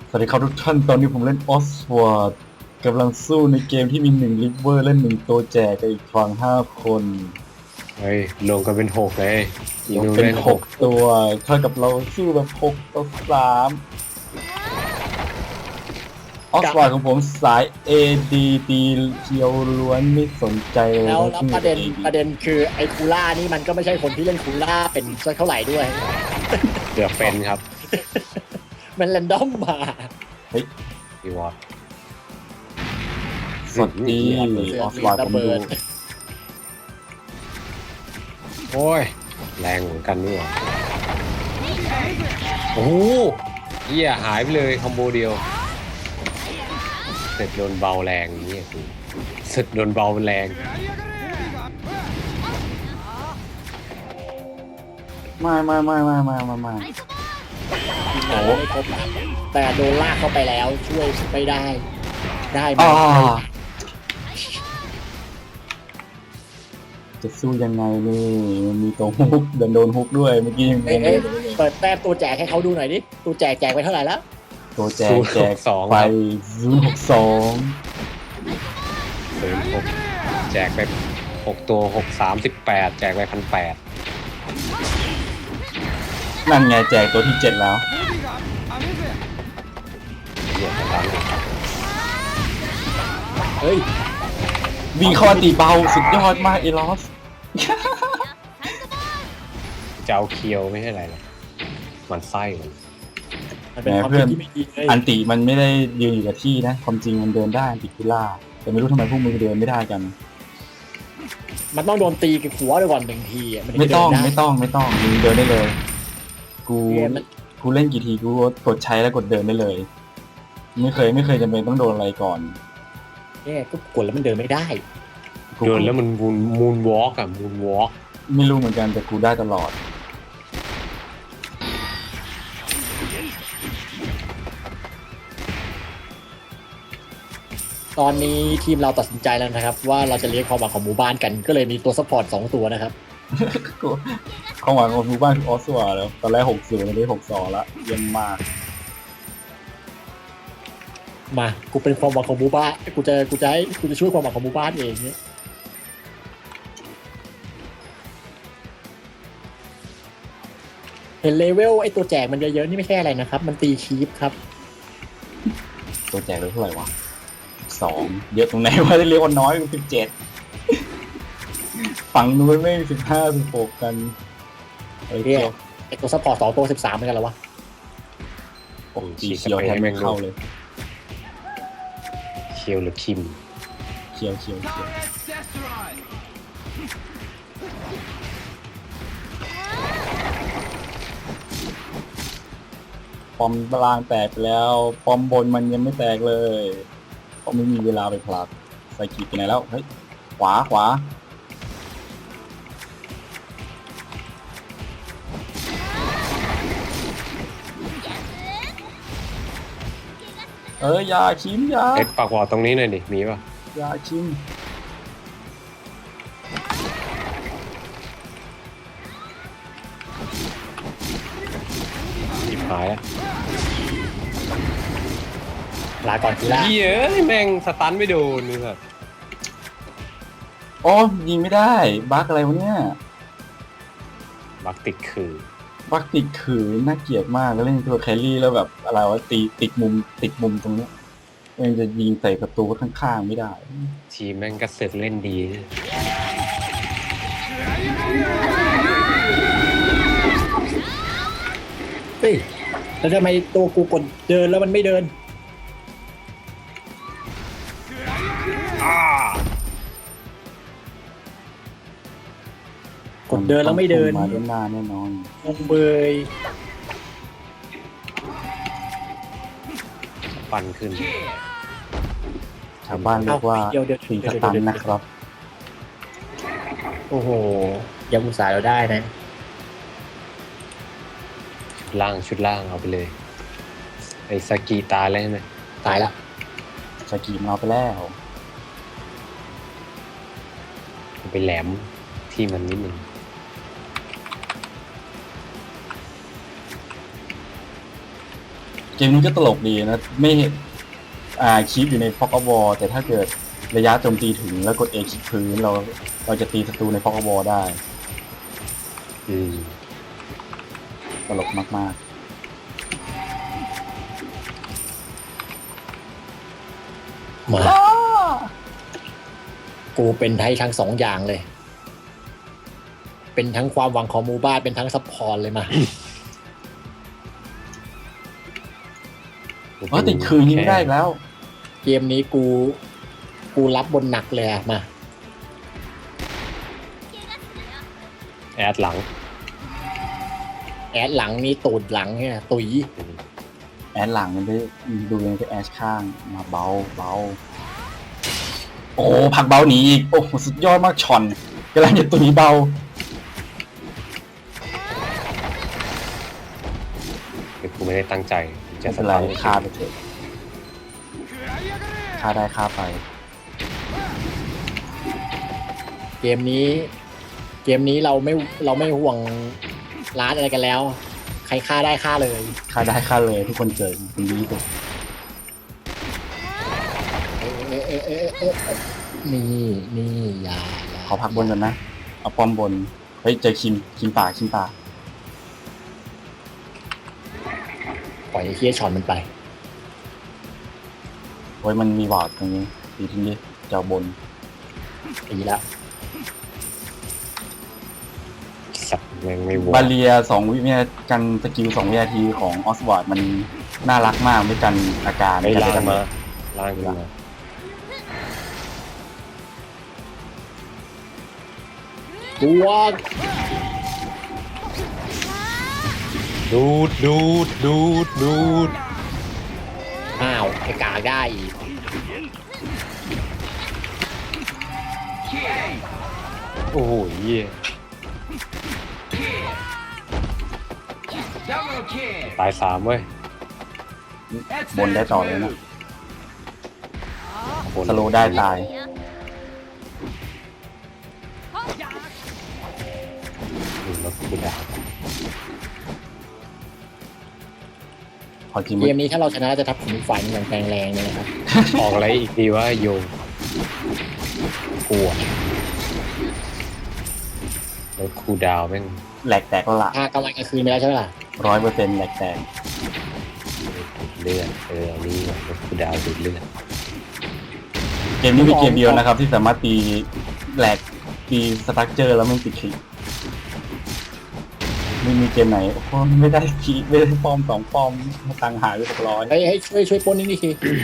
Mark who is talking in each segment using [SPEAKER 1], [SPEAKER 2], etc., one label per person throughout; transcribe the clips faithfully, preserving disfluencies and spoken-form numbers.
[SPEAKER 1] สวัสดีครับทุกท่านตอนนี้ผมเล่นออสวอร์ดกำลังสู้ในเกมที่มีหนึ่งลิเวอร์และหนึ่งตัวแจกกับอีกฝั่งห้าคน
[SPEAKER 2] เฮ้ยลงกันเป็นหกเลยอี
[SPEAKER 1] ยก
[SPEAKER 2] นู
[SPEAKER 1] เป็น
[SPEAKER 2] เล่น
[SPEAKER 1] หกตัวเท่ากับเราสู้แบบหกต่อสามออสวอร์ดของผมสาย เอ ดี ตีเคียวล้วนไม่สนใจเลย
[SPEAKER 3] แล้วแล้วประเด็น
[SPEAKER 1] อ
[SPEAKER 3] ประเด็นคือไอ้คูล่านี่มันก็ไม่ใช่คนที่เล่นคูล่าเป็นสักเท่าไหร่ด้วย
[SPEAKER 2] เกือบเป็นครับ
[SPEAKER 3] มันแรนดอมมา
[SPEAKER 2] อีวอต
[SPEAKER 1] สวัสดีออสวอร์ดผมดู
[SPEAKER 2] โอ้ยแรงเหมือนกันนี่หว่าโอ้โหเหี้ยหายไปเลยคอมโบเดียวเสร็จโดนเบาแรงนี่คือเสร็จโดนเบาแรง
[SPEAKER 1] ไม่ไม่ไม่ไม่ไม่ไม่ไม่
[SPEAKER 3] โอ้ไม่ครบนะแต่โดนลากเข้าไปแล้วช่วยไม่ได้ ได้ไหม
[SPEAKER 1] อ่าจะสู้ยังไงนี่มันมีตัวฮุกเดินโดนฮุกด้วยเมื่อกี้ยัง
[SPEAKER 3] เอ้ยเอ้ยเปิดแต้มตัวแจกให้เขาดูหน่อยดิตัวแจกแจกไปเท่าไหร่แล้ว
[SPEAKER 1] ตัวแจกแจก
[SPEAKER 2] สอง
[SPEAKER 1] ไป
[SPEAKER 2] ครับ
[SPEAKER 1] ศูนย์หกสอง
[SPEAKER 2] ศูนย์หกแจกไปหกตัวหกสามสิบแปดแจกไปพันแปด
[SPEAKER 1] นั่นไงแจกตัวที่เจ็ดแล้ว
[SPEAKER 2] เหี้ยสตัน
[SPEAKER 3] เฮ้ย
[SPEAKER 1] วิ่งเข้ามาตีเบาสุดยอดมากเอลอส
[SPEAKER 2] จะเอาเคียวไม่ใช่อะไรหรอกมันไส้มัน
[SPEAKER 3] มันเป็นความคิดที่ไม่ดีเลย
[SPEAKER 1] อันติมันไม่ได้ยืนอยู่กับที่นะความจริงมันเดินได้อันติคุล่าแต่ไม่รู้ทำไมพวกมึงเดินไม่ได้กัน
[SPEAKER 3] มันต้องโดนตีกับหัวด้วยก่อนหนึ่งทีะนถึ
[SPEAKER 1] ไม่
[SPEAKER 3] จะ
[SPEAKER 1] ต้อง
[SPEAKER 3] เดินด้
[SPEAKER 1] ไม่ต้องไม่ต้องมึงเดินได้เลย กู
[SPEAKER 3] เนี่ยมัน
[SPEAKER 1] กูเล่นกี่ทีกูกดใช้แล้วกดเดินได้เลย ไม่เคยไม่เคยจำเป็นต้องโดนอะไรก่อน
[SPEAKER 3] เนี่ยก็กดแล้วมันเดินไม่ได้
[SPEAKER 1] กู
[SPEAKER 2] เดินแล้วมันมูนมูนวอล์กอะมูนวอล์ก
[SPEAKER 1] ไม่รู้เหมือนกันแต่กูได้ตลอด
[SPEAKER 3] ตอนนี้ทีมเราตัดสินใจแล้วนะครับ ว่าเราจะเลี้ยงความหวังของหมู่บ้านกันก็เลยมีตัวซัพพอร์ตสองตัวนะครับ
[SPEAKER 1] กูความหวังของหมู่บ้านคือออสวาแล้วตอนแรกหกศูนย์ตอนนี้หกสองละเยี่ยมมาก
[SPEAKER 3] มากูเป็นความหวังของหมู่บ้านกูจะกูจะให้กูจะช่วยความหวังของหมู่บ้านเองเนี่ยเห็นเลเวลไอตัวแจกมันเยอะๆนี่ไม่ใช่อะไรนะครับ มันตีคีปครับ
[SPEAKER 1] ตัวแจกเลยเท่าไหร่วะสองเยอะตรงไหนวะได้เรียกว่าน้อยกว่าสิบเจ็ดฝั่งนู้นไม่สิบห้าสิบหกกันไอ้
[SPEAKER 3] เนี่
[SPEAKER 1] เจ้
[SPEAKER 3] ย ไอตัวซัพพอร์ตสองตัวสิบสามเหมือนกันแล้ววะ
[SPEAKER 1] โอ้ตีเขียวแทนไม่เข้าเลย
[SPEAKER 2] เคียวหรือคิม
[SPEAKER 1] เขียวเขียวเขียวปอมตารางแตกไปแล้วปอมบนมันยังไม่แตกเลยเพราะไม่มีเวลาไปผลักใส่ขีดไปไหนแล้วเฮ้ยขวาขวาเอออยาชิมอยา
[SPEAKER 2] เอ็ดปากวอดตรงนี้หน่อยดิ มีป่ะ
[SPEAKER 1] อยาชิม
[SPEAKER 2] หยิบหายแล้ว
[SPEAKER 3] ลาก่อนกีฬา
[SPEAKER 2] เหี้ยเอ้ยแม่งสตันไม่โดนนี่แบบ
[SPEAKER 1] อ๋อยิงไม่ได้บั๊กอะไรวะเนี่ย
[SPEAKER 2] บักติดคือ
[SPEAKER 1] บั๊กติดขืนน่าเกลียดมากแล้วเล่นตัวแครี่แล้วแบบอะไรวะตีติดมุมติดมุมตรงเนี้ยยังจะยิงใส่ประตูข้างๆไม่ได้
[SPEAKER 2] ทีมแม่งก็เสร็จเล่นดี
[SPEAKER 3] เฮ้ยแล้วทำไมตัวกูกดเดินแล้วมันไม่เดิน กดเดินแล้วไม่เดิน
[SPEAKER 1] มาด้านหน้าแน่นอน
[SPEAKER 3] งงเบย
[SPEAKER 2] ปั่นขึ้น
[SPEAKER 1] ชาวบ้านเรียกว่า
[SPEAKER 3] เดี๋ยวเดี๋ยว
[SPEAKER 1] สี
[SPEAKER 3] เดี๋
[SPEAKER 1] ส
[SPEAKER 3] ยว
[SPEAKER 1] ตัน
[SPEAKER 3] เดี๋ยว
[SPEAKER 1] นะครับ
[SPEAKER 3] โอ้โหยังอุตส่าห์เราได้นะ
[SPEAKER 2] ชุดล่างชุดล่างเอาไปเลย ไอ้สกีตายแล้วใช่ไหม
[SPEAKER 3] ตายละ
[SPEAKER 1] สกีมันเอาไปแล้ว
[SPEAKER 2] เอาไปแหลมที่มันนิดนึง
[SPEAKER 1] ชเกมนี้ก็ตลกดีนะไม่อ่าคีปอยู่ในพ็อกบอลแต่ถ้าเกิดระยะโจมตีถึงแล้วกดเอคลิกพื้นเราเราจะตีศัตรูในพ็อกบอลได้
[SPEAKER 2] อืม
[SPEAKER 1] ตลกมาก
[SPEAKER 3] มา กูเป็นไทยทั้งสองอย่างเลย เป็นทั้งความหวังของหมู่บ้านเป็นทั้งซัพพอร์ตเลยมา
[SPEAKER 1] ๆว่าติดคืนนี้ไม่ได้อีกแล้ว
[SPEAKER 3] เกมนี้กู กูรับบนหนักเลยอะมา
[SPEAKER 2] แอดหลัง
[SPEAKER 3] แอดหลังนี่ตูดหลังเนี่ยตุย
[SPEAKER 1] แอดหลังมันได้ดูยังก็แอดข้างมาเบาเบาโอ้ผักเบาหนีอีกโอ้สุดยอดมากช็อนกำลังจะตุยเบา
[SPEAKER 2] คือกูไม่ได้ตั้งใจจะ
[SPEAKER 1] ไม่
[SPEAKER 2] ส
[SPEAKER 1] เป็นไร
[SPEAKER 2] ตาร์ท
[SPEAKER 1] ฆ่าไปเถอะฆ่าได้ฆ่าไป
[SPEAKER 3] เกมนี้ เกมนี้เราไม่เราไม่ห่วงร้านอะไรกันแล้ว ใครฆ่าได้ฆ่าเลย
[SPEAKER 1] ฆ่าได้ฆ่าเลยทุกคนเกิดคุณดีสุด
[SPEAKER 3] เอะเอะเอะเอะเอะนี่นี่อย่าอย่า
[SPEAKER 1] ขอพักบนกันนะเอาป้อมบนเฮ้ยเจอคิมคิมป่าคิมป่า
[SPEAKER 3] ปล่อยไอ้เคียช็อตมันไป
[SPEAKER 1] โอ้ยมันมีวอร์ดตรงนี้ตีทิ้งดิเจ้าบน
[SPEAKER 3] ตีแล้ว
[SPEAKER 2] สัตว์แม่งไม่ว
[SPEAKER 1] บาเลียสองวินาทีกันสกิลสองวินาทีของออสวอร์ดมันน่ารักมากไม่กันอาการ
[SPEAKER 2] ไม่ล่าง
[SPEAKER 1] กัน
[SPEAKER 2] มาล่างขึ้นมา
[SPEAKER 3] ตัว
[SPEAKER 2] ดูดดูดดูดดูด
[SPEAKER 3] อ้าวไอ้กากได้อีก
[SPEAKER 2] โอ้โหเหี้ยตายสามเว้ย
[SPEAKER 1] บนได้ต่อเลยนะ
[SPEAKER 2] บน
[SPEAKER 1] สโลว์ได้ตาย
[SPEAKER 2] อืมแล้วกูด่า
[SPEAKER 1] พอจริง
[SPEAKER 3] เกมนี้ถ้าเราชนะจะทับถึงฝ่ายอย่างแรงแรงเลยนะครับ
[SPEAKER 2] ออกอะไรอีกดีว่าโยงกลัวแล้วครูดาวแม่ง
[SPEAKER 1] แหลกแตกแล้วละ
[SPEAKER 3] ถ้ากำลังกลางคืนไปแล้วใช่ไหมล่ะ
[SPEAKER 1] ร้อยเปอร์เซ็นต์แหลกแตก
[SPEAKER 2] เลือดเอออันนี้แล้วครูดาวดูดเลือด
[SPEAKER 1] เกมนี้มีเกมเดียวนะครับ ที่สามารถตีแหลกตีสตรัคเจอร์แล้วไม่ติดขีไม่มีเกมไหนโอ้โหไม่ได้ขีไม่ได้ป้อมสองป้อมตังค์หายไปสักร้อย
[SPEAKER 3] เฮ้ยให้ช่วยช่วยปล้นนี่นี่ที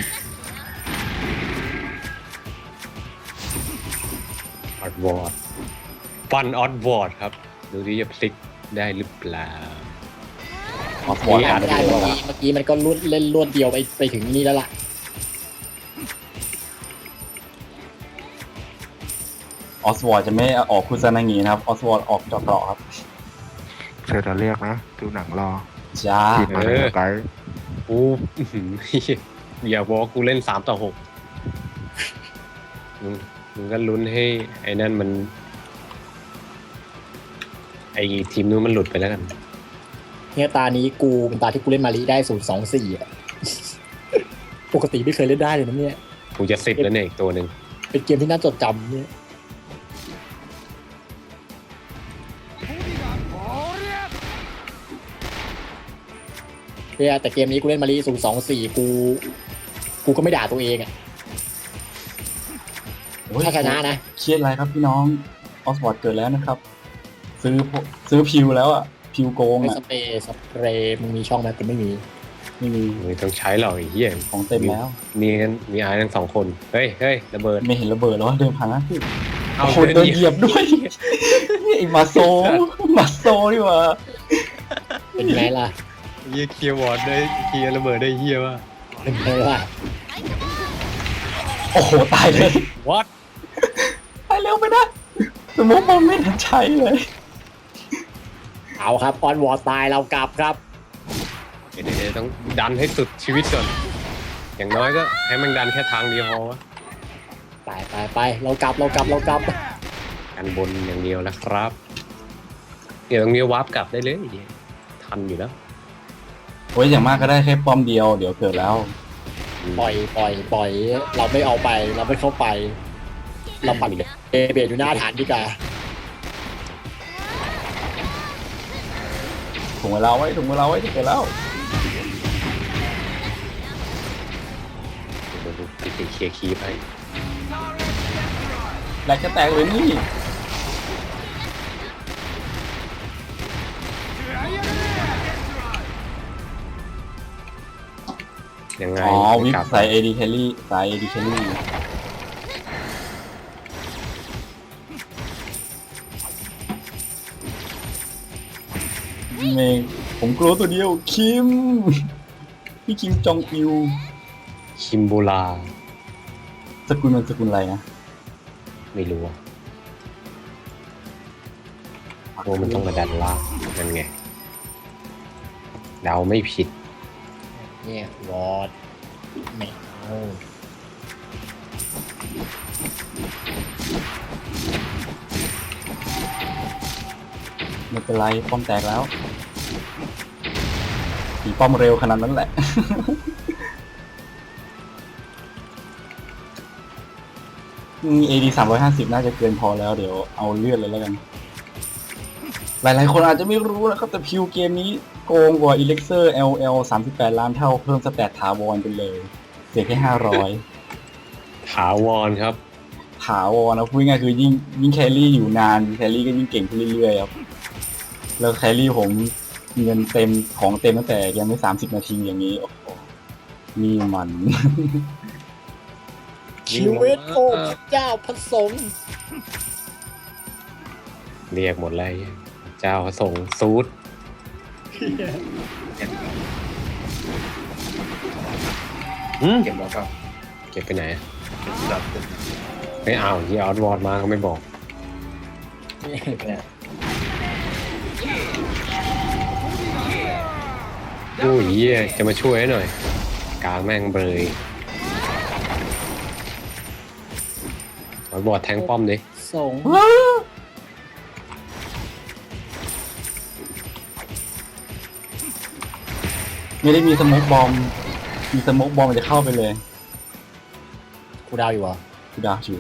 [SPEAKER 2] ออดวอร์ดฟันออดวอร์ดครับ ดูที่จะพลิกได้หรือเปล่า
[SPEAKER 1] ออสวอร์ด
[SPEAKER 2] มี
[SPEAKER 1] หา
[SPEAKER 2] อัน
[SPEAKER 1] ได้
[SPEAKER 3] ได้
[SPEAKER 1] เล
[SPEAKER 3] เมื่
[SPEAKER 1] ย
[SPEAKER 3] อ
[SPEAKER 1] วะ
[SPEAKER 3] กี้เมื่อกี้มันก็ลุดเล่นรวดเดียวไปไปถึงนี่แล้วล่ะ
[SPEAKER 1] ออสวอร์ดจะไม่ออกคุซานางีนะครับออสวอร์ดออกจอกเกาะครับ
[SPEAKER 4] เชิญจะเรียกนะ ดูหนังรอ
[SPEAKER 1] จ้า
[SPEAKER 4] ทีมมาในสกาย
[SPEAKER 2] กูอื้อหืออย่าบอกกูเล่นสามต่อหกมึงมึงก็ลุ้นให้ไอ้นั่นมัน ไอ้ทีมนู้นมันหลุดไปแล้วกัน
[SPEAKER 3] เนี่ยตานี้กูเป็นตาที่กูเล่นมารีได้ศูนย์สองสี่อ่ะ ปกติไม่เคยเล่นได้เลยนะเนี่ย
[SPEAKER 2] กูจะสิบแล้วเนี่ยอีกตัวหนึ่ง
[SPEAKER 3] เป็นเกมที่น่าจดจำเนี่ยเนี่ยแต่เกมนี้กูเล่นมารีศูนย์สองสี่กู กูก็ไม่ด่าตัวเองอ่ะ
[SPEAKER 1] โอ้ย
[SPEAKER 3] ถ้าชนะนะ
[SPEAKER 1] เครียดอะไรครับพี่น้องออสวอร์ดเกิดแล้วนะครับ ซื้อซื้อพิวแล้วอ่ะพิวโกง
[SPEAKER 3] ไอ้
[SPEAKER 1] อ่ะ
[SPEAKER 3] สเปรย์สเปรย์มึงมีช่องไหมกูไม่มี
[SPEAKER 1] ไม่มี
[SPEAKER 2] มึงต้องใช้หรอกไอ้เหี้ย
[SPEAKER 1] ของเต็มแล้ว
[SPEAKER 2] มีกันมีไอ้ทั้งสองคน เฮ้ยเฮ้ยระเบิด
[SPEAKER 1] ไม่เห็นระเบิดแล้วเดินผ่านนะพี่
[SPEAKER 2] เอา
[SPEAKER 1] โอ้โหโดนเหยียบด้วยไอ้มาโซมาโซนี่หว่า
[SPEAKER 3] เป็นไงล่ะ
[SPEAKER 2] เหี้ยเคลียร์วอร์ดได้เคลียร์ระเบิดได้เหี้ยว่ะ
[SPEAKER 3] เป็นไงล่ะ
[SPEAKER 1] โอ้โหตายเลย
[SPEAKER 2] วัด
[SPEAKER 1] ตายเร็วไปนะสมมติผมไม่ทันใช้เลย
[SPEAKER 3] เอาครับออนวอร์ตายเรากลับครับ
[SPEAKER 2] เดี๋ยวๆต้องดันให้สุดชีวิตก่อน อย่างน้อยก็ให้มันดันแค่ทางเดียวพอวะ
[SPEAKER 3] ไปไปไปเรากลับเรากลับเรากลับ
[SPEAKER 2] กันบนอย่างเดียวนะครับ เดี๋ยวตรงนี้วาร์ปกลับได้เลยทันอยู่แล้ว
[SPEAKER 1] โอ้ยอย่างมากก็ได้แค่ป้อมเดียวเดี๋ยวเกิดแล้ว
[SPEAKER 3] ปล่อยปล่อยปล่อยเราไม่เอาไป เราไม่เข้าไป เราปั่นเอเบดอยู่หน้าฐานดีกว่า
[SPEAKER 1] ถุงเวลาไว้ถุงเวลาไว้จะเกิดแล้ว
[SPEAKER 2] เดี๋ยวดูติดเคลียร์คีบให้
[SPEAKER 1] แหลกจะแตกเลยนี่
[SPEAKER 2] ยังไง
[SPEAKER 1] อ๋อวิป
[SPEAKER 2] กลับ
[SPEAKER 1] ใส่เอดีแคลรี่ใส่เอดีแคลรี่เมงผมกลัวตัวเดียวคิมพี่คิมจองอิว
[SPEAKER 2] คิมบูลา
[SPEAKER 1] สกุลมันสกุลอะไรนะ
[SPEAKER 2] ไม่รู้อะโอ้มันต้องมาดันล่างนั่นไงเดาไม่ผิด
[SPEAKER 3] เนี่ยวอดไม่เอา
[SPEAKER 1] ไม่เป็นไรป้อมแตกแล้วตีป้อมเร็วขนาดนั้นแหละ เอดีสามร้อยห้าสิบน่าจะเกินพอแล้วเดี๋ยวเอาเลือดเลยแล้วกัน หลายๆคนอาจจะไม่รู้นะครับแต่พิวเกมนี้โกงกว่า Elixir แอล แอล สามสิบแปดล้านเท่าเพิ่มสแตทถาวรไปเลย เสียแค่ห้าร้อย
[SPEAKER 2] ถาวรครับ
[SPEAKER 1] ถาวรนะพูดง่ายๆคือยิ่งยิ่งแครี่อยู่นานแครี่ก็ยิ่งเก่งขึ้นเรื่อยๆครับแล้วแครี่ผมเงินเต็มของเต็มตั้งแต่ยังไม่สามสิบนาทีอย่างนี้โอ้โหนี่มัน
[SPEAKER 3] ชีวิตโอ้พระเจ้าพระสงฆ์
[SPEAKER 2] เรียกหมดเลยเจ้าส่งซูดอืม
[SPEAKER 5] เก็บแล้วก็
[SPEAKER 2] เก็บไปไหน
[SPEAKER 5] จับ
[SPEAKER 2] ไม่เอาที่เอาวอร์ดมาก็ไม่บอก
[SPEAKER 5] เนี่ย
[SPEAKER 2] โอ้ยเหี้ยจะมาช่วยหน่อย กลางแม่งเบยเอาบอร์ดแทงป้อมดิ
[SPEAKER 3] สงฆ์
[SPEAKER 1] ไม่ได้มีสโมกบอมมีสโมกบอมมันจะเข้าไปเลย
[SPEAKER 3] กูดาวอยู่เหรอ
[SPEAKER 1] กูดาวอยู่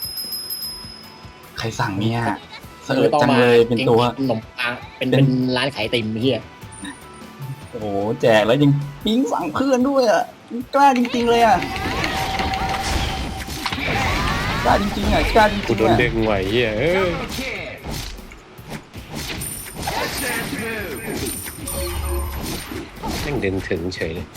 [SPEAKER 1] ใครสั่งเนี่ยเส
[SPEAKER 3] มึ
[SPEAKER 1] อิ
[SPEAKER 3] ง
[SPEAKER 1] ด
[SPEAKER 3] ต้อง
[SPEAKER 1] จัง
[SPEAKER 3] มา
[SPEAKER 1] เลยเป็นตัว
[SPEAKER 3] ขนมปังเป็นเป็นร้านขายไอติมเฮีย
[SPEAKER 1] โอ้โหแจกแล้วยังปิ๊งสั่งเพื่อนด้วยอ่ะกล้าจริงๆเลยอ่ะกล้าจริงๆอ่ะกล้าจ
[SPEAKER 2] กู
[SPEAKER 1] ริง
[SPEAKER 2] โด
[SPEAKER 1] ๆ
[SPEAKER 2] น
[SPEAKER 1] อ่ะ
[SPEAKER 2] ดึงไหวเหี้ยเออแม่งเดินถึงเฉยเลย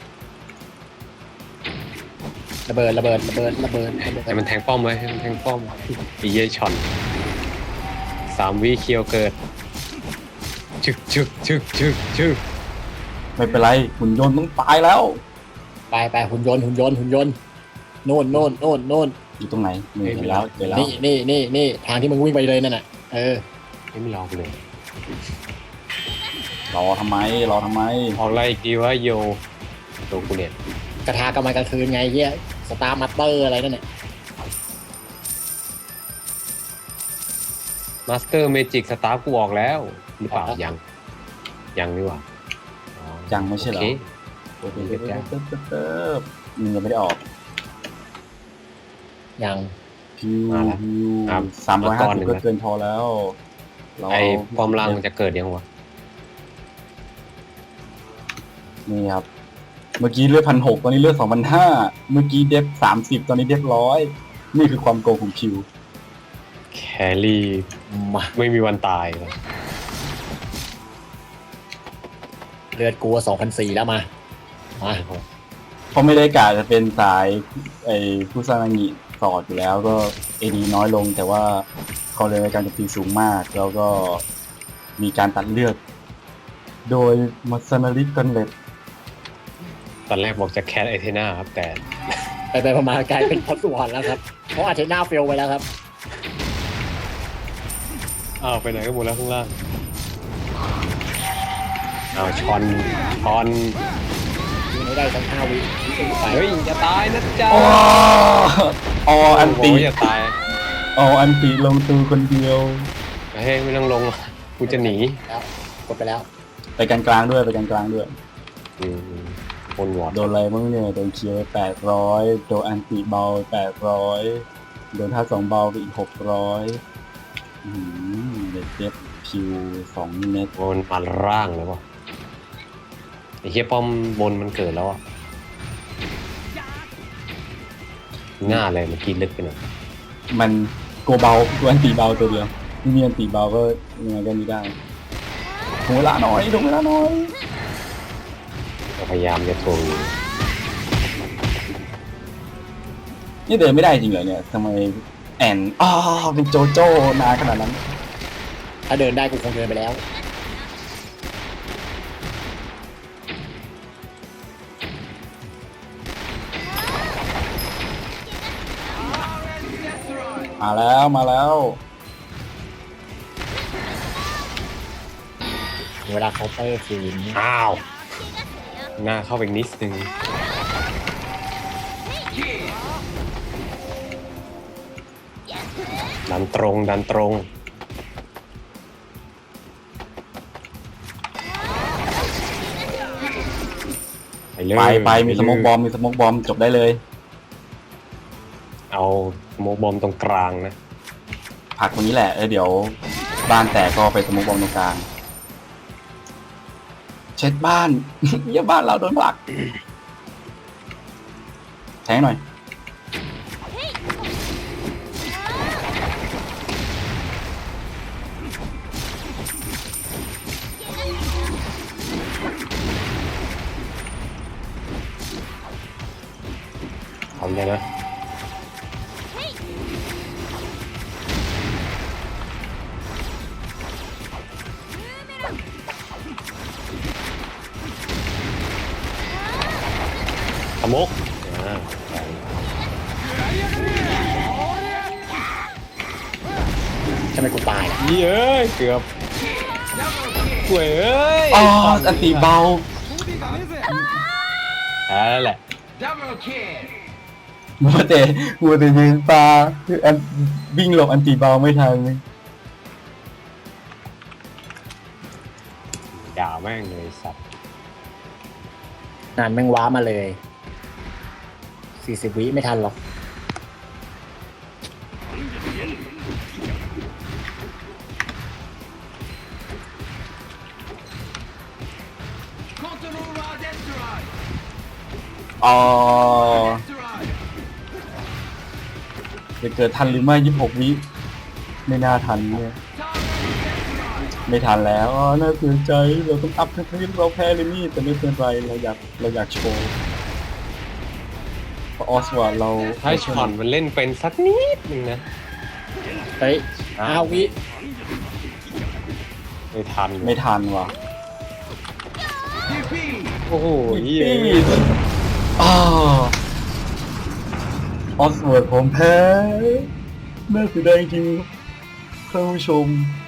[SPEAKER 3] ระเบิดระเบิดระเบิดระเบิดระเบิด
[SPEAKER 2] ให้มันแทงป้อมไว้ให้มันแทงป้อมอีเย่ช็อนสามวิเคียวเกิดชึกชึกชึกชึกชึก
[SPEAKER 1] ไม่เป็นไรหุ่นยนต์ต้องตายแล้ว
[SPEAKER 3] ไปไปหุ่นยนต์หุ่นยนต์หุ่นยนต์โน่นโน่นโน่นโน่น
[SPEAKER 1] อยู่ตรงไหนนี่เห็นแล้วเห็นแล้ว
[SPEAKER 3] นี่นี่นี่นี่ทางที่มึงวิ่งไปเลยนั่นน่ะเออ
[SPEAKER 2] ไม่มีรอกูเลย
[SPEAKER 1] รอทำไมรอทำไม
[SPEAKER 2] ออกอะไรอีกดีวะโยตัวกูเนี่ย
[SPEAKER 3] กระทากำมันกลางคืนไงเฮียสตาร์มัตเตอร์อะไรนั่นน่ะ
[SPEAKER 2] มาสเตอร์เมจิกสตาร์กูออกแล้วหรือเปล่ายังยังนี่หว่าอ๋อ
[SPEAKER 1] ยังไม่ใช่เหรอ
[SPEAKER 2] โอเค
[SPEAKER 1] โอ้โหเติบเติบเติบเติบเติบมันยังไม่ได้ออก
[SPEAKER 3] ยัง
[SPEAKER 1] พิว
[SPEAKER 2] มาแล้ว
[SPEAKER 1] พิว
[SPEAKER 2] ครับ
[SPEAKER 1] สามร้อย
[SPEAKER 2] มา
[SPEAKER 1] ห้า
[SPEAKER 2] ก่อน
[SPEAKER 1] สิ
[SPEAKER 2] หนึ่
[SPEAKER 1] บ
[SPEAKER 2] ง
[SPEAKER 1] ก็
[SPEAKER 2] นะ
[SPEAKER 1] เกินพอแล้วเรา
[SPEAKER 2] ไอ้ปอมลังมันจะเกิดยังวะ
[SPEAKER 1] นี่ครับเมื่อกี้เลือดพันหกตอนนี้เลือดสองพันห้าเมื่อกี้เดฟสามสิบตอนนี้เดฟร้อยนี่คือความโกงของพิว
[SPEAKER 2] แครี่
[SPEAKER 3] มา
[SPEAKER 2] ไม่มีวันตายเลย
[SPEAKER 3] เลือดกลัวสองพันสี่แล้วมามา
[SPEAKER 1] เขาไม่ได้กะจะเป็นสายไอ้ผู้สร้างงิสอดอยู่แล้วก็เอดีน้อยลง แต่ว่าเขาเลยในการโจมตีสูงมาก แล้วก็มีการตัดเลือด โดยมาซานาริกันเลต
[SPEAKER 2] ตอนแรกบอกจะแคทไอเทน่าครับแต่
[SPEAKER 3] ไปไปประมาณกลายเป็นพอสวรรค์แล้วครับเพราะอาจจะหน้าเฟลไปแล้วครับ
[SPEAKER 2] อ้าวไปไหนกันหมดแล้วข้างล่างอ้าวชอนชอน
[SPEAKER 3] ยิงให้ได้ทั้งห้าวิไป
[SPEAKER 2] เฮ้ยจะตายนะจ๊ะ
[SPEAKER 1] อ๋ออ๋ออันตี
[SPEAKER 2] โยจะตาย
[SPEAKER 1] อ๋ออันตีลงตูคนเดียว
[SPEAKER 2] เฮ้ยไม่ต้องลงหรอกกูจะหนี
[SPEAKER 3] แล้วกดไปแล้ว
[SPEAKER 1] ไปกลางกลางๆด้วยไปกลางกลางๆด้วย
[SPEAKER 2] อืมคนวอด
[SPEAKER 1] โดนอะไรบ้างเนี่ยโดนเคลียร์แปดร้อยโดนอันติเบาแปดร้อยโดนท่าสองเบาไปอีกหกร้อยอืมเด็ดเจ็บคิวสองเม็ด
[SPEAKER 2] มันมาร่างเลยวะไอ้เฮียป้อมบนมันเกิดแล้วอ่ะง่าเลยมันกินลึกไปหน่อย
[SPEAKER 1] มันโกเบาตัวอันติเบาตัวเดียวไม่มีอันติเบาก็ยังไงก็ไม่ได้ถึงเวลาหน่อยถึงเวลาหน่อย
[SPEAKER 2] เราพยายามจะทวงอยู่
[SPEAKER 1] นี่เดินไม่ได้จริงเหรอเนี่ยทำไมแอนอ๋อเป็นโจโจ้นานขนาดนั้น
[SPEAKER 3] ถ้าเดินได้กูคงเดินไปแล้ว
[SPEAKER 1] มาแล้วมาแล้ว
[SPEAKER 3] เวลาเขาน์เตอร์คืน
[SPEAKER 2] อ้าวหน้าเข้าไปอีกนิดนึงดันตรงดันตรงไปเลย
[SPEAKER 1] ไปไปมีสโมกบอมมีสโมกบอมจบได้เลย
[SPEAKER 2] เอาสโมกบอมตรงกลางนะ
[SPEAKER 1] ผลักตรงนี้แหละเออเดี๋ยวบ้านแตกก็ไปสโมกบอมตรงกลางเช็ดบ้าน เยี่ยบ้านเราโดนผลักแทงหน่อย
[SPEAKER 2] เอาเลยนะสโมกอ่า
[SPEAKER 3] ทำไมกูตายล่ะ
[SPEAKER 2] เย้ยเกือบเว้ย
[SPEAKER 1] อ๋ออันติเบา
[SPEAKER 2] แพ้แล้วแหละ
[SPEAKER 1] มัวแต่มัวแต่ยืนปลาคืออันวิ่งหลบอันติเบาไม่ทัน
[SPEAKER 2] ด่าแม่งเลยสัตว์
[SPEAKER 3] นานแม่งว้ามาเลยสี่สิบวิไม่ทันหรอก
[SPEAKER 1] อ๋อจะเกิดทันหรือไม่ยี่สิบหกวิไม่น่าทันเนี่ยไม่ทันแล้วอ๋อน่าเสียใจเราต้องอัพทั้งที่เราแพ้เลยนี่แต่ไม่เป็นไรเราอยากเราอยากโชว์เพราะออสวาเรา
[SPEAKER 2] ถ้าช็อตมันเล่นเป็นสักนิดนึงนะ
[SPEAKER 3] เฮ้ยอ้าววิ
[SPEAKER 2] ไม่ทัน
[SPEAKER 1] ไม่ทันว่ะ
[SPEAKER 2] โอ้โหเหี้ย
[SPEAKER 1] อ๋อออสวาผมแพ้น่าเสียดายจริงๆท่านผู้ชม